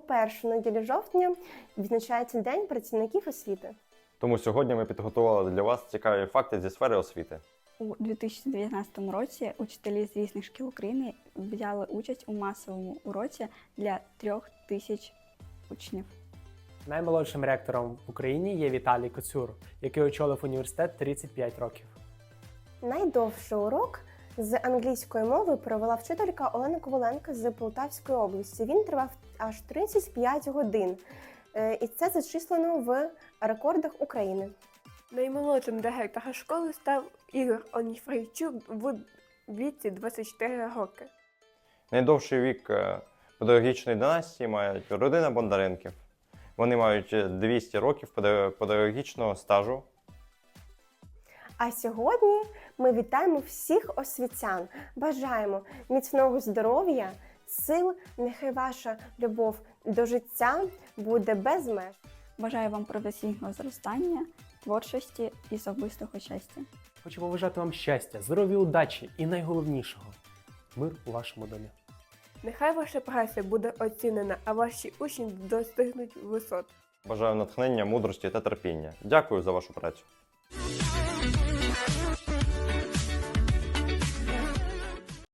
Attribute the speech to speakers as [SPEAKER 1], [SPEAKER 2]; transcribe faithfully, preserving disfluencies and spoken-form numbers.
[SPEAKER 1] першу неділю жовтня відзначається День працівників освіти.
[SPEAKER 2] Тому сьогодні ми підготували для вас цікаві факти зі сфери освіти.
[SPEAKER 3] У дві тисячі дев'ятнадцятому році учителі з різних шкіл України взяли участь у масовому уроці для трьох тисяч учнів.
[SPEAKER 4] Наймолодшим ректором в Україні є Віталій Коцюр, який очолив університет тридцять п'ять років.
[SPEAKER 1] Найдовший урок з англійської мови провела вчителька Олена Коваленко з Полтавської області. Він тривав аж тридцять п'ять годин. І це зачислено в рекордах України.
[SPEAKER 5] Наймолодшим директором школи став Ігор Оніфрійчук в віці двадцять чотири роки.
[SPEAKER 2] Найдовший вік педагогічної династії має родина Бондаренків. Вони мають двісті років педагогічного стажу.
[SPEAKER 1] А сьогодні ми вітаємо всіх освітян. Бажаємо міцного здоров'я, сил, нехай ваша любов до життя буде без меж.
[SPEAKER 3] Бажаю вам професійного зростання, творчості і особистого щастя.
[SPEAKER 4] Хочу побажати вам щастя, здоров'я, удачі і найголовнішого – мир у вашому домі.
[SPEAKER 5] Нехай ваша праця буде оцінена, а ваші учні достигнуть висот.
[SPEAKER 2] Бажаю натхнення, мудрості та терпіння. Дякую за вашу працю.